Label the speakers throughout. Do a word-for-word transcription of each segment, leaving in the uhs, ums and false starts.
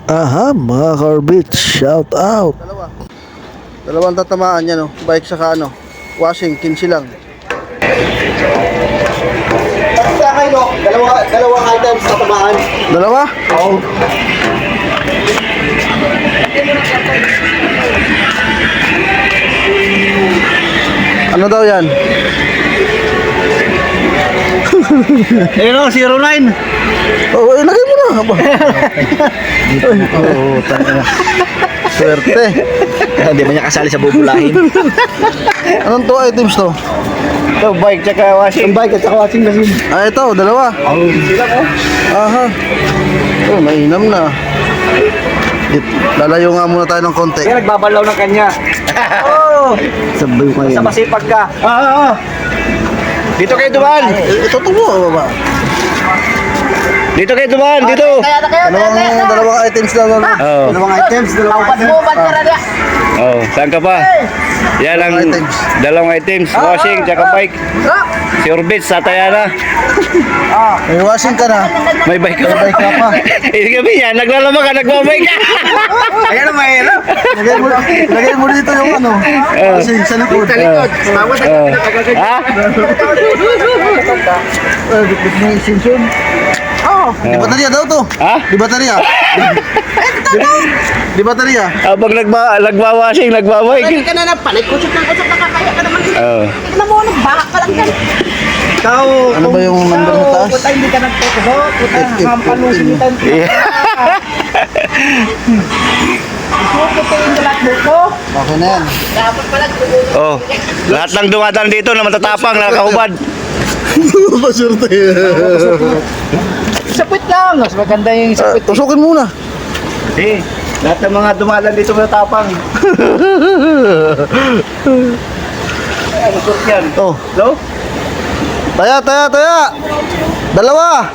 Speaker 1: Aha, mga Carbits, shout out.
Speaker 2: Dalawa. Dalawang tatamaan yan, no? Bike saka ano, washing, kinsi lang.
Speaker 3: Sa akin, no? Dalawa, dalawang items na tamaan.
Speaker 2: Dalawa?
Speaker 3: Oo.
Speaker 2: Ano daw yan?
Speaker 3: Ayun o, zero nine.
Speaker 2: Oh, ilagay mo na. Oo, tanga. Swerte.
Speaker 3: Hindi ba niya kasali sa bubulahin?
Speaker 2: Anong two items to?
Speaker 3: Ito, bike tsaka washing. Bike at saka washing machine.
Speaker 2: Ah, ito, dalawa.
Speaker 3: Oo. Sila ko.
Speaker 2: Aha. Oh, mainam na. It, lalayo nga muna tayo ng konti.
Speaker 3: Kaya nagbabalaw ng kanya. Oo.
Speaker 2: Sabay ko
Speaker 3: Sa
Speaker 2: yan.
Speaker 3: masipag ka. Oo. Dito kayo dumaan.
Speaker 2: Eh, Ito to mo, baba.
Speaker 3: Dito kayo dumaan. Dito.
Speaker 2: Dalawang, dalawang items lang. ano?
Speaker 3: Oo.
Speaker 2: Dalawang items, dalawang items.
Speaker 3: Oh, saan ka pa? Yan ang
Speaker 2: Dalawang items.
Speaker 3: dalawang items. Washing tsaka bike. Si Orbit sa Tayana.
Speaker 2: May washing ka na.
Speaker 3: May bike ka.
Speaker 2: May bike ka pa.
Speaker 3: Hindi kami yan. Naglalama ka, nagbabike ka. Ayan na mahirap.
Speaker 2: Lagay mo, lagay mo dito yung ano. Washing sa likod. Sa likod.
Speaker 3: Oh. Ha?
Speaker 2: Eh, dikit mo yung extension. Oh, di baterya daw to.
Speaker 3: Ha?
Speaker 2: Di baterya. Di, di baterya.
Speaker 3: Habang nagba, nagba-washing, nagbabike.
Speaker 4: Hindi ka na napalit. Kusot ng kusot, nakakaya ka naman.
Speaker 3: Oo.
Speaker 4: Tignan mo, nagbahak ka lang dyan.
Speaker 3: Ikaw.
Speaker 2: Ano ba yung number na taas?
Speaker 4: Puta, hindi ka nagtutusok. Puta,
Speaker 2: If- if-
Speaker 4: hampalusin
Speaker 2: if-
Speaker 4: kita. Puta yung dalat mo ko.
Speaker 2: Okay na yan.
Speaker 4: Dapat pala tutulog.
Speaker 3: Oh, lahat ng dumadaan dito na matatapang, nakakahubad.
Speaker 2: Pasurte.
Speaker 4: Sapit lang. Mas maganda yung
Speaker 2: Ah, tusukin muna.
Speaker 3: Eh, lahat ng mga dumadaan dito matatapang. Ay, ano sort yan?
Speaker 2: Oh,
Speaker 3: No?
Speaker 2: taya, taya, taya. Dalawa.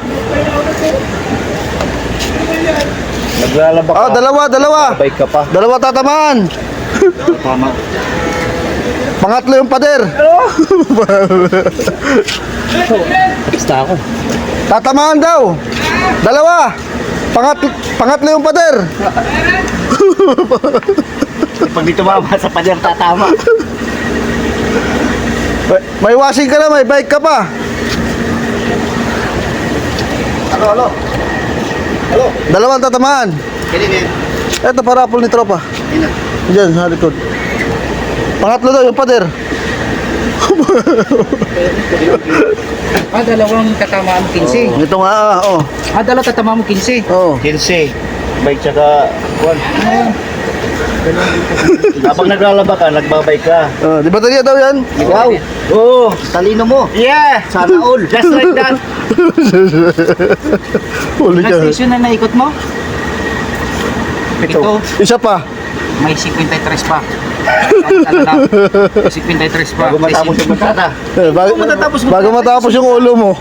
Speaker 3: Naglalaba ka.
Speaker 2: Oh, dalawa, dalawa.
Speaker 3: Bike ka pa.
Speaker 2: Dalawa tatamaan.
Speaker 3: Tama.
Speaker 2: Pangatlo yung pader.
Speaker 3: Basta ako.
Speaker 2: Tatamaan daw. Dalawa. Pangat pangatlo yung pader.
Speaker 3: Pag dito mama sa pader tatama.
Speaker 2: May, may washing ka na, may bike ka pa.
Speaker 3: Ano, ano? Ano?
Speaker 2: Dalawang tatamaan.
Speaker 3: Ganyan yan.
Speaker 2: Ito parapol ni tropa. Diyan sa likod. Pangatlo daw yung pader.
Speaker 4: Ah, dalawang tatama mo kinsi.
Speaker 2: Ito nga, ah, oh.
Speaker 4: Ah, dalawang tatama mo kinsi.
Speaker 2: Oh.
Speaker 3: Kinsi. Bike tsaka kuwan. Habang naglalaba ka, nagbabike ka.
Speaker 2: Oh, di baterya daw yan.
Speaker 3: Wow! Oo! Talino mo! Yeah! Sana all! Just like that!
Speaker 2: Huli ka.
Speaker 4: Ilang station na naikot mo? Ito.
Speaker 2: Isa pa.
Speaker 4: May fifty-three pa. Ano na? fifty-three pa.
Speaker 3: Bago matapos yung matata.
Speaker 2: Eh, bago,
Speaker 4: matatapos mo?
Speaker 2: bago matapos yung ulo mo.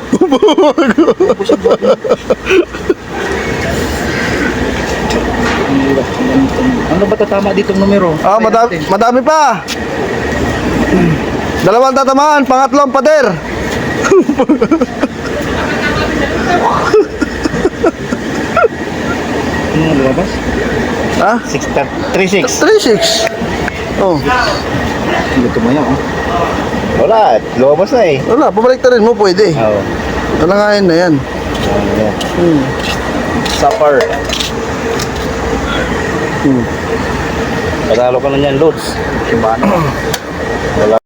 Speaker 4: Ano ba tatama ditong numero?
Speaker 2: Ah, madami, madami pa. Dalawang tatamaan, pangatlong pader.
Speaker 4: Ano lumabas?
Speaker 2: Ha?
Speaker 3: three six.
Speaker 2: three six. Oh,
Speaker 4: Hindi tumayo. Oh.
Speaker 3: Wala, lumabas na eh.
Speaker 2: wala, pabalik rin mo pwede.
Speaker 3: Oo.
Speaker 2: Talangayin na yan. Hmm.
Speaker 3: Supper.
Speaker 2: Hmm.
Speaker 3: Patalo ka na niyan, Lods. Wala.